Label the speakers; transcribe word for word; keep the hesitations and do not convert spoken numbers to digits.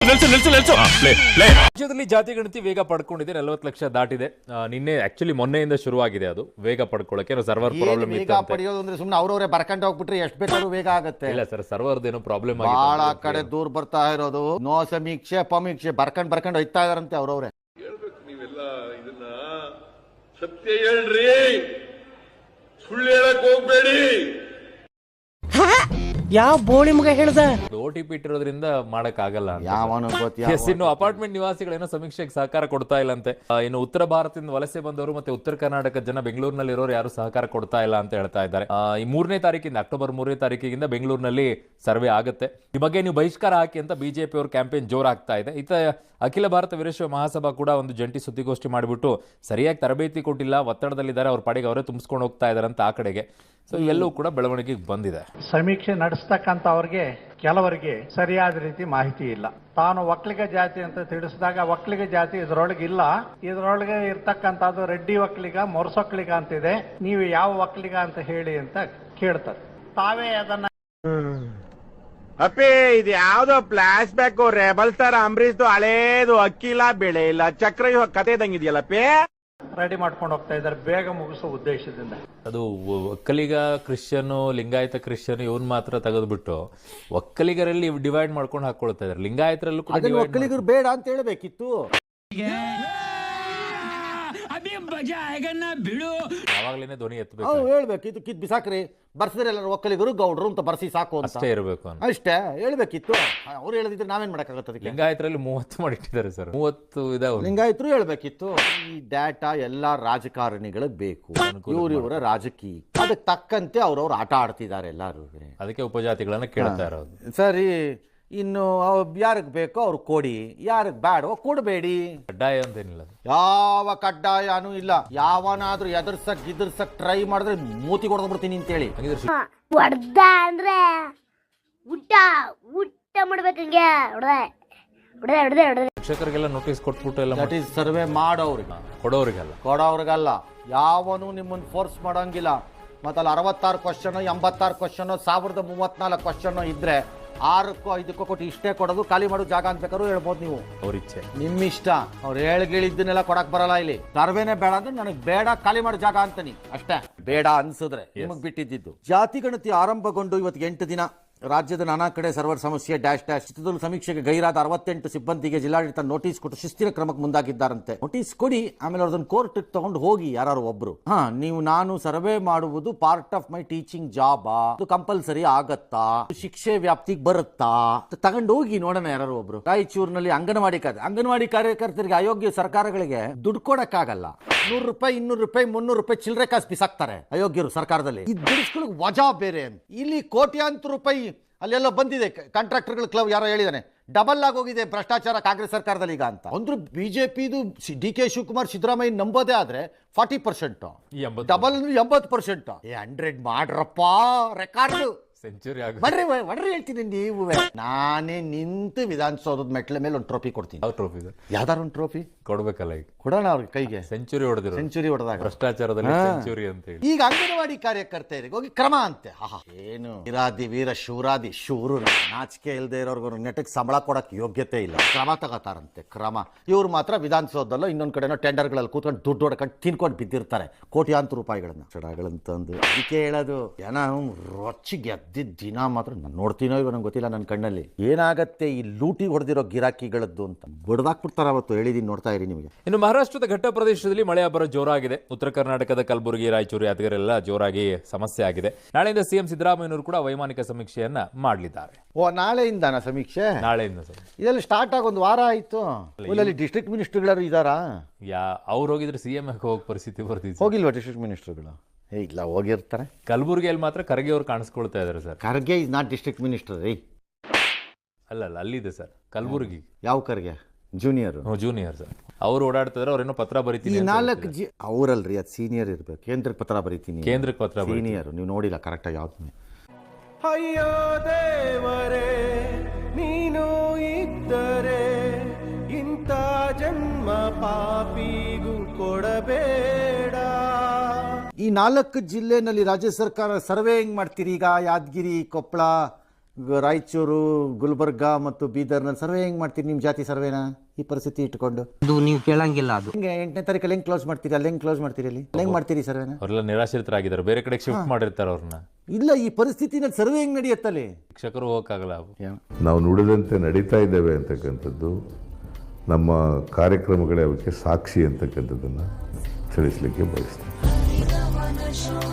Speaker 1: ರಾಜ್ಯದಲ್ಲಿ ಜಾತಿ ಗಣತಿ ವೇಗ ಪಡ್ಕೊಂಡಿದೆ, ನಲವತ್ತು ಲಕ್ಷ ದಾಟಿದೆ. ನಿನ್ನೆ ಆಕ್ಚುಲಿ ಮೊನ್ನೆಯಿಂದ ಶುರುವಾಗಿದೆ ಅದು ವೇಗ ಪಡ್ಕೊಳ್ಳಕ್ಕೆ. ಸರ್ವರ್ ಪ್ರಾಬ್ಲಮ್
Speaker 2: ವೇಗ ಪಡೆಯೋದು ಅಂದ್ರೆ ಸುಮ್ಮನೆ ಅವ್ರವರೇ ಬರ್ಕೊಂಡು ಹೋಗ್ಬಿಟ್ರೆ ಎಷ್ಟು ಬೇಕಾದ್ರೂ ವೇಗ ಆಗುತ್ತೆ.
Speaker 1: ಇಲ್ಲ ಸರ್, ಸರ್ವರ್ದ ಏನೋ ಪ್ರಾಬ್ಲಮ್ ಆಗಿದೆ.
Speaker 2: ಬಹಳ ಕಡೆ ದೂರ ಬರ್ತಾ ಇರೋದು, ನೋ ಸಮೀಕ್ಷೆ ಪಮೀಕ್ಷೆ ಬರ್ಕೊಂಡ್ ಬರ್ಕೊಂಡು ಹೋಯ್ತಾ ಇದಾರಂತೆ ಅವ್ರವ್ರೆ.
Speaker 3: ಹೇಳ್ಬೇಕು ನೀವೆಲ್ಲ ಇದನ್ನ ಸತ್ಯ ಹೇಳ್ರಿ, ಸುಳ್ಳು ಹೇಳಕ್ ಹೋಗ್ಬೇಡಿ.
Speaker 4: ಯಾವ ಬೋಳಿ ಮಗ ಹೇಳ್ದ
Speaker 1: ಓ ಟಿ ಪಿ ಇಟ್ಟಿರೋದ್ರಿಂದ ಮಾಡಕ್ ಆಗಲ್ಲ.
Speaker 2: ಯಾವನು
Speaker 1: ಇನ್ನು ಅಪಾರ್ಟ್ಮೆಂಟ್ ನಿವಾಸಿಗಳೇನೋ ಸಮೀಕ್ಷೆಗೆ ಸಹಕಾರ ಕೊಡ್ತಾ ಇಲ್ಲ ಅಂತೆ. ಇನ್ನು ಉತ್ತರ ಭಾರತದಿಂದ ವಲಸೆ ಬಂದವರು ಮತ್ತೆ ಉತ್ತರ ಕರ್ನಾಟಕದ ಜನ ಬೆಂಗಳೂರಿನಲ್ಲಿ ಇರೋರು ಯಾರು ಸಹಕಾರ ಕೊಡ್ತಾ ಇಲ್ಲ ಅಂತ ಹೇಳ್ತಾ ಇದ್ದಾರೆ. ಈ ಮೂರನೇ ತಾರೀಕಿಂದ ಅಕ್ಟೋಬರ್ ಮೂರನೇ ತಾರೀಕಿಂದ ಬೆಂಗಳೂರಿನಲ್ಲಿ ಸರ್ವೆ ಆಗುತ್ತೆ. ಈ ಬಗ್ಗೆ ನೀವು ಬಹಿಷ್ಕಾರ ಹಾಕಿ ಅಂತ ಬಿಜೆಪಿ ಅವರು ಕ್ಯಾಂಪೇನ್ ಜೋರಾಗ್ತಾ ಇದೆ. ಇತ ಅಖಿಲ ಭಾರತ ವೀರಶೈವ ಮಹಾಸಭಾ ಕೂಡ ಒಂದು ಜಂಟಿ ಸುದ್ದಿಗೋಷ್ಠಿ ಮಾಡಿಬಿಟ್ಟು ಸರಿಯಾಗಿ ತರಬೇತಿ ಕೊಟ್ಟಿಲ್ಲ, ಒತ್ತಡದಲ್ಲಿದ್ದಾರೆ, ಅವ್ರ ಪಾಡಿಗೆ ಅವರೇ ತುಂಬಿಸ್ಕೊಂಡು ಹೋಗ್ತಾ ಇದಾರೆ ಅಂತ ಆ ಕಡೆಗೆ. ಸೊ ಇವೆಲ್ಲವೂ ಕೂಡ ಬೆಳವಣಿಗೆಗೆ ಬಂದಿದೆ.
Speaker 5: ಸಮೀಕ್ಷೆ ನಡೆಸ್ತಕ್ಕಂಥ ಅವ್ರಿಗೆ ಕೆಲವರಿಗೆ ಸರಿಯಾದ ರೀತಿ ಮಾಹಿತಿ ಇಲ್ಲ. ತಾನು ಒಕ್ಕಲಿಗ ಜಾತಿ ಅಂತ ತಿಳಿಸಿದಾಗ ಒಕ್ಕಲಿಗ ಜಾತಿ ಇದರೊಳಗೆ ಇಲ್ಲ, ಇದರೊಳಗೆ ಇರ್ತಕ್ಕಂಥದ್ದು ರೆಡ್ಡಿ ಒಕ್ಕಲಿಗ, ಮೊರಸೊಕ್ಕಲಿಗ ಅಂತಿದೆ, ನೀವು ಯಾವ ಒಕ್ಕಲಿಗ ಅಂತ ಹೇಳಿ ಅಂತ ಕೇಳ್ತಾರೆ. ತಾವೇ ಅದನ್ನ
Speaker 6: ಅಪ್ಪಿ ಇದು ಯಾವ್ದೋ ಫ್ಲಾಶ್ ಬ್ಯಾಕ್ ರೆಬಲ್ ಸ್ಟಾರ್ ಅಂಬರೀಶ್ದು ಹಳೇದು ಅಕ್ಕಿ ಇಲ್ಲ ಬೆಳೆ ಇಲ್ಲ ಚಕ್ರ ಕತೆ ಇದಂಗಿದೆಯಲ್ಲಪ್ಪಿ
Speaker 5: ರೆಡಿ ಮಾಡ್ಕೊಂಡು ಹೋಗ್ತಾ ಇದ್ದಾರೆ ಬೇಗ ಮುಗಿಸೋ ಉದ್ದೇಶದಿಂದ.
Speaker 1: ಅದು ಒಕ್ಕಲಿಗ ಕ್ರಿಶ್ಚಿಯನ್, ಲಿಂಗಾಯತ ಕ್ರಿಶ್ಚಿಯನ್ ಇವನ್ ಮಾತ್ರ ತೆಗೆದ್ಬಿಟ್ಟು ಒಕ್ಕಲಿಗರಲ್ಲಿ ಡಿವೈಡ್ ಮಾಡ್ಕೊಂಡು ಹಾಕೊಳ್ತಾ ಇದಾರೆ. ಲಿಂಗಾಯತರಲ್ಲೂ ಕೂಡ
Speaker 2: ಒಕ್ಕಲಿಗರು ಬೇಡ ಅಂತ ಹೇಳ್ಬೇಕಿತ್ತು.
Speaker 1: ಯಾವಾಗ್ಲೇನೆ ಧ್ವನಿ ಎತ್ತಬೇಕು,
Speaker 2: ಹೇಳ್ಬೇಕಿತ್ತು. ಕಿತ್ ಬಿಸಾಕ್ರಿ, ಬರ್ಸಿದ್ರೆ ಎಲ್ಲರೂ ಒಕ್ಕಲಿಗರು ಗೌಡ್ರು ಅಂತ ಬರ್ಸಿ ಸಾಕು ಅಂತ
Speaker 1: ಅಷ್ಟೇ ಇರಬೇಕು
Speaker 2: ಅಷ್ಟೇ ಹೇಳ್ಬೇಕಿತ್ತು. ಅವ್ರು ಹೇಳಿದ್ರೆ ನಾವೇನ್ ಮಾಡಕ್ಕಾಗತ್ತೆ?
Speaker 1: ಲಿಂಗಾಯತರಲ್ಲಿ ಮೂವತ್ತು ಮಾಡಿಟ್ಟಿದ್ದಾರೆ ಸರ್, ಮೂವತ್ತು ಇದಾವೆ.
Speaker 2: ಲಿಂಗಾಯತರು ಹೇಳ್ಬೇಕಿತ್ತು. ಈ ಡಾಟಾ ಎಲ್ಲಾ ರಾಜಕಾರಣಿಗಳಿಗೆ ಬೇಕು, ಇವ್ರ ಇವರ ರಾಜಕೀಯ ಅದಕ್ಕೆ ತಕ್ಕಂತೆ ಅವ್ರವ್ರು ಆಟ ಆಡ್ತಿದ್ದಾರೆ ಎಲ್ಲಾರು.
Speaker 1: ಅದಕ್ಕೆ ಉಪಜಾತಿಗಳನ್ನ ಕೇಳ್ತಾ ಇರೋದು.
Speaker 2: ಸರಿ, ಇನ್ನು ಯಾರಿಗೆ ಬೇಕೋ ಅವ್ರು ಕೊಡಿ, ಯಾರಿಗೆ ಬೇಡವೋ ಕೊಡಬೇಡಿ.
Speaker 1: ಕಡ್ಡಾಯ ಅಂತೇನಿಲ್ಲ,
Speaker 2: ಯಾವ ಕಡ್ಡಾಯನೂ ಇಲ್ಲ. ಯಾವನಾದ್ರೂ ಎದುರ್ಸಕ್ ಗಿದರ್ಸಕ್ ಟ್ರೈ ಮಾಡಿದ್ರೆ ಮೂತಿ ಕೊಡ್ಬಿಡ್ತೀನಿ ಅಂತೇಳಿ.
Speaker 7: ಹೊಡ್ದ ಅಂದ್ರೆ ಊಟ ಊಟ ಮಾಡ್ಬೇಕಂಗೆ ಹೊಡೆದೆ ಹೊಡೆದೆ ಹೊಡೆದೆ ಹೊಡೆದೆ.
Speaker 1: ಶಿಕ್ಷಕರಿಗೆಲ್ಲ ನೋಟಿಸ್ ಕೊಟ್ಬಿಟ್ಟು ಎಲ್ಲ
Speaker 2: ದಟ್ ಈಸ್ ಸರ್ವೆ ಮಾಡೋರಿಗೆ,
Speaker 1: ಕೊಡೋರಿಗಲ್ಲ
Speaker 2: ಕೊಡೋರಿಗಲ್ಲ. ಯಾವನು ನಿಮ್ಮನ್ನು ಫೋರ್ಸ್ ಮಾಡಂಗಿಲ್ಲ. ಮತ್ತಲ್ಲಿ ಅರವತ್ತಾರು ಕ್ವಶನ್, ಎಂಬತ್ತಾರು ಕ್ವಶನ್, ಸಾವಿರದ ಮೂವತ್ನಾಲ್ಕು ಕ್ವಶನ್ ಇದ್ರೆ ಆರಕ್ಕೋ ಐದಕ್ಕೋ ಕೊಟ್ಟು ಇಷ್ಟೇ ಕೊಡೋದು, ಖಾಲಿ ಮಾಡೋ ಜಾಗ ಅಂತ ಬೇಕಾದ್ರೂ ಹೇಳ್ಬೋದು ನೀವು.
Speaker 1: ಅವ್ರ ಇಚ್ಛೆ,
Speaker 2: ನಿಮ್ಮ ಇಷ್ಟ. ಅವ್ರು ಹೇಳ್ಗಳಿದ್ದನ್ನೆಲ್ಲ ಕೊಡಕ್ ಬರಲ್ಲ. ಇಲ್ಲಿ ಸರ್ವೇನೆ ಬೇಡ ಅಂದ್ರೆ ನನಗೆ ಬೇಡ, ಖಾಲಿ ಮಾಡೋ ಜಾಗ ಅಂತಾನಿ ಅಷ್ಟೇ. ಬೇಡ ಅನ್ಸಿದ್ರೆ ನಿಮಗ್ ಬಿಟ್ಟಿದ್ದು. ಜಾತಿ ಗಣತಿ ಆರಂಭಗೊಂಡು ಇವತ್ತು ಎಂಟು ದಿನ. ರಾಜ್ಯದ ನಾನಾ ಕಡೆ ಸರ್ವರ್ ಸಮಸ್ಯೆ ಡ್ಯಾಶ್ ಡ್ಯಾಶ್. ಚಿತ್ರದುರ್ಗ ಸಮೀಕ್ಷೆಗೆ ಗೈರಾದ ಅರವತ್ತೆಂಟು ಸಿಬ್ಬಂದಿಗೆ ಜಿಲ್ಲಾಡಳಿತ ನೋಟಿಸ್ ಕೊಟ್ಟು ಶಿಸ್ತಿನ ಕ್ರಮಕ್ಕೆ ಮುಂದಾಗಿದ್ದಾರಂತೆ. ನೋಟಿಸ್ ಕೊಡಿ, ಆಮೇಲೆ ಅವ್ರದನ್ನ ಕೋರ್ಟ್ ತಗೊಂಡು ಹೋಗಿ ಯಾರು ಒಬ್ರು. ಹಾ, ನೀವು ನಾನು ಸರ್ವೆ ಮಾಡುವುದು part of my teaching job, ಅದು ಕಂಪಲ್ಸರಿ ಆಗತ್ತಾ, ಶಿಕ್ಷೆ ವ್ಯಾಪ್ತಿಗೆ ಬರುತ್ತಾ, ತಗೊಂಡು ಹೋಗಿ ನೋಡೋಣ ಯಾರು ಒಬ್ರು. ರಾಯಚೂರಿನಲ್ಲಿ ಅಂಗನವಾಡಿ ಕಾರ್ಯ ಅಂಗನವಾಡಿ ಕಾರ್ಯಕರ್ತರಿಗೆ ಅಯೋಗ್ಯ ಸರ್ಕಾರಗಳಿಗೆ ದುಡ್ಡು ಕೊಡಕ್ಕಾಗಲ್ಲ. ನೂರು ರೂಪಾಯಿ, ಇನ್ನೂರು ರೂಪಾಯಿ, ಮುನ್ನೂರು ರೂಪಾಯಿ ಚಿಲ್ಲರೆ ಕಾಸು ಬಿಸಾಕ್ತಾರೆ ಅಯೋಗ್ಯರು ಸರ್ಕಾರದಲ್ಲಿ. ಈ ದುಡಿಸ್ಗಳಿಗೆ ವಜಾ ಬೇರೆ. ಇಲ್ಲಿ ಕೋಟ್ಯಾಂತರ ರೂಪಾಯಿ ಅಲ್ಲೆಲ್ಲ ಬಂದಿದೆ. ಕಾಂಟ್ರಾಕ್ಟರ್ಗಳ ಕ್ಲಬ್ ಯಾರೋ ಹೇಳಿದಾನೆ ಡಬಲ್ ಆಗಿ ಹೋಗಿದೆ ಭ್ರಷ್ಟಾಚಾರ ಕಾಂಗ್ರೆಸ್ ಸರ್ಕಾರದಲ್ಲಿ ಈಗ ಅಂತ. ಅಂದ್ರೆ ಬಿಜೆಪಿದು ಡಿ ಕೆ ಶಿವಕುಮಾರ್ ಸಿದ್ದರಾಮಯ್ಯ ನಂಬೋದೇ ಆದ್ರೆ ಫಾರ್ಟಿ ಪರ್ಸೆಂಟ್, ಡಬಲ್ ಎಂಬತ್ತು ಪರ್ಸೆಂಟ್. ಏ ಹಂಡ್ರೆಡ್ ಮಾಡ್ರಪ್ಪ, ರೆಕಾರ್ಡ್
Speaker 1: ಸೆಂಚುರಿ
Speaker 2: ಬರ್ರಿ ಒಡ್ರಿ ಹೇಳ್ತೀನಿ. ನೀವು ನಾನೇ ನಿಂತು ವಿಧಾನಸೌಧದ ಮೆಟ್ಲ ಮೇಲೆ ಒಂದು ಟ್ರೋಫಿ ಕೊಡ್ತೀನಿ.
Speaker 1: ಯಾವ ಟ್ರೋಫಿ?
Speaker 2: ಯಾವ್ದಾರು ಒಂದು ಟ್ರೋಫಿ
Speaker 1: ಕೊಡ್ಬೇಕಲ್ಲ, ಈಗ
Speaker 2: ಕೊಡೋಣ ಅವ್ರಿಗೆ ಕೈಗೆ.
Speaker 1: ಸೆಂಚುರಿ ಹೊಡೆದಿರೋ,
Speaker 2: ಸೆಂಚುರಿ ಹೊಡೆದಾಗ
Speaker 1: ಭ್ರಷ್ಟಾಚಾರದಲ್ಲಿ ಸೆಂಚುರಿ ಅಂತ ಹೇಳಿ.
Speaker 2: ಈಗ ಅಂಗನವಾಡಿ ಕಾರ್ಯಕರ್ತೆಯರಿಗೆ ಹೋಗಿ ಕ್ರಮ ಅಂತೆ. ಏನು ವೀರಾದಿ ವೀರ ಶೂರಾದಿ ಶೂರು, ನಾಚಿಕೆ ಇಲ್ಲದೆ ಇರೋರ್ಗು ನೆಟಕ್ಕೆ ಸಂಬಳ ಕೊಡಕ್ ಯೋಗ್ಯತೆ ಇಲ್ಲ, ಕ್ರಮ ತಗೋತಾರಂತೆ ಕ್ರಮ. ಇವ್ರು ಮಾತ್ರ ವಿಧಾನಸೌಧದಲ್ಲೋ ಇನ್ನೊಂದ್ ಕಡೆನೋ ಟೆಂಡರ್ಗಳಲ್ಲಿ ಕೂತ್ಕೊಂಡು ದುಡ್ಡು ಹೊಡ್ಕೊಂಡು ತಿನ್ಕೊಂಡು ಬಿದ್ದಿರ್ತಾರೆ ಕೋಟ್ಯಾಂತರ ರೂಪಾಯಿಗಳನ್ನ ಚಡಗಳಂತಂದು. ಅದಕ್ಕೆ ಹೇಳೋದು ಜನ ರೊಚ್ಚಿಗೆ ಎದ್ದಿದ್ದ ದಿನ ಮಾತ್ರ ನಾನು ನೋಡ್ತೀನೋ ಇವ ನಂಗೆ ಗೊತ್ತಿಲ್ಲ. ನನ್ನ ಕಣ್ಣಲ್ಲಿ ಏನಾಗತ್ತೆ ಈ ಲೂಟಿ ಹೊಡೆದಿರೋ ಗಿರಾಕಿಗಳದ್ದು ಅಂತ ಬಡ್ದಾಕ್ಬಿಡ್ತಾರ ಅವತ್ತು. ಹೇಳಿದೀನಿ, ನೋಡ್ತಾ ಇರಿ ನಿಮಗೆ.
Speaker 1: ಇನ್ನು ಮಹಾರಾಷ್ಟ್ರದ ಘಟ್ಟ ಪ್ರದೇಶದಲ್ಲಿ ಮಳೆ ಅಬ್ಬರ ಜೋರಾಗಿದೆ. ಉತ್ತರ ಕರ್ನಾಟಕದ ಕಲಬುರಗಿ, ರಾಯಚೂರು, ಯಾದಗಿರೆಲ್ಲ ಜೋರಾಗಿ ಸಮಸ್ಯೆ ಆಗಿದೆ. ನಾಳೆಯಿಂದ ಸಿಎಂ ಸಿದ್ದರಾಮಯ್ಯನವರು ಕೂಡ ವೈಮಾನಿಕ ಸಮೀಕ್ಷೆಯನ್ನ ಮಾಡಲಿದ್ದಾರೆ.
Speaker 2: ಓ, ನಾಳೆಯಿಂದಾನ ಸಮೀಕ್ಷೆ?
Speaker 1: ನಾಳೆಯಿಂದ ಸರ್.
Speaker 2: ಇದೆಲ್ಲ ಸ್ಟಾರ್ಟ್ ಆಗಿ ಒಂದು ವಾರ ಆಯ್ತು. ಇಲ್ಲಿ ಡಿಸ್ಟ್ರಿಕ್ಟ್ ಮಿನಿಸ್ಟರ್ಗಳು ಇದಾರಾ?
Speaker 1: ಯಾ ಅವ್ರು ಹೋಗಿದ್ರೆ ಸಿಎಂ ಹೋಗೋ ಪರಿಸ್ಥಿತಿ ಬರ್ತಿದೆ.
Speaker 2: ಹೋಗಿಲ್ವಾ ಡಿಸ್ಟ್ರಿಕ್ಟ್ ಮಿನಿಸ್ಟರ್ಗಳು? ಏ ಇಲ್ಲ, ಹೋಗಿರ್ತಾರೆ.
Speaker 1: ಕಲಬುರಗಿಯಲ್ಲಿ ಮಾತ್ರ ಖರ್ಗೆ ಅವ್ರು ಕಾಣಿಸ್ಕೊಳ್ತಾ ಇದಾರೆ sir.
Speaker 2: Kharge is not district minister ರೀ.
Speaker 1: ಅಲ್ಲ ಅಲ್ಲ, ಅಲ್ಲಿದೆ ಸರ್ ಕಲಬುರಗಿ.
Speaker 2: ಯಾವ ಖರ್ಗೆ? Junior
Speaker 1: junior sir. ಅವ್ರು ಓಡಾಡ್ತಿದ್ರೆ ಅವ್ರೇನೋ ಪತ್ರ ಬರೀತೀನಿ.
Speaker 2: ನಾಲ್ಕು ಜಿ ಅವರಲ್ರಿ, ಅದು ಸೀನಿಯರ್ ಇರ್ಬೇಕು. ಕೇಂದ್ರಕ್ಕೆ ಪತ್ರ ಬರೀತೀನಿ.
Speaker 1: ಕೇಂದ್ರಕ್ಕೆ ಪತ್ರ
Speaker 2: ಸೀನಿಯರ್ ನೀವು ನೋಡಿಲ್ಲ ಕರೆಕ್ಟಾಗಿ ಯಾವ್ದು.
Speaker 8: ಅಯ್ಯೋ ದೇವರೇ, ನೀನು ಇದ್ದರೆ ಇಂಥ ಜನ್ಮ ಪಾಪಿಗೂ ಕೊಡಬೇಡ.
Speaker 2: ಈ ನಾಲ್ಕು ಜಿಲ್ಲೆನಲ್ಲಿ ರಾಜ್ಯ ಸರ್ಕಾರ ಸರ್ವೆ ಹೆಂಗ್ ಮಾಡ್ತೀರಿ? ಈಗ ಯಾದಗಿರಿ, ಕೊಪ್ಪಳ, ಗ- ರಾಯಚೂರು, ಗುಲ್ಬರ್ಗ ಮತ್ತು ಬೀದರ್ನಲ್ಲಿ ಸರ್ವೆ ಹೆಂಗ್ ಮಾಡ್ತೀರಿ ನಿಮ್ಮ ಜಾತಿ ಸರ್ವೆನ ಈ ಪರಿಸ್ಥಿತಿ ಇಟ್ಕೊಂಡು?
Speaker 9: ಅದು ನೀವು ಕೇಳಂಗಿಲ್ಲ. ಅದು
Speaker 2: ಹಿಂಗೆ ಎಂಟನೇ ತಾರೀಕಲ್ಲಿ ಹೆಂಗ್ ಕ್ಲೋಸ್ ಮಾಡ್ತೀರಿ? ಅಲ್ಲಿ ಹೆಂಗ್ ಕ್ಲೋಸ್ ಮಾಡ್ತೀರಿ? ಅಲ್ಲಿ ಹೆಂಗ್ ಮಾಡ್ತೀರಿ ಸರ್ವೆನ?
Speaker 1: ಅವರೆಲ್ಲ ನಿರಾಶ್ರಿತರಾಗಿದ್ದಾರೆ, ಬೇರೆ ಕಡೆ ಶಿಫ್ಟ್ ಮಾಡಿರ್ತಾರೆ ಅವ್ರನ್ನ.
Speaker 2: ಇಲ್ಲ, ಈ ಪರಿಸ್ಥಿತಿನಲ್ಲಿ ಸರ್ವೆ ಹೆಂಗ್ ನಡೆಯುತ್ತಲ್ಲಿ?
Speaker 1: ಶಿಕ್ಷಕರು ಹೋಗಕ್ಕಾಗಲ್ಲ.
Speaker 10: ನಾವು ನುಡಿದಂತೆ ನಡೀತಾ ಇದ್ದೇವೆ ಅಂತಕ್ಕಂಥದ್ದು ನಮ್ಮ ಕಾರ್ಯಕ್ರಮಗಳೇ ಅವಕ್ಕೆ ಸಾಕ್ಷಿ ಅಂತಕ್ಕಂಥದ್ದನ್ನು ತಿಳಿಸ್ಲಿಕ್ಕೆ ಬಯಸ್ತೀನಿ.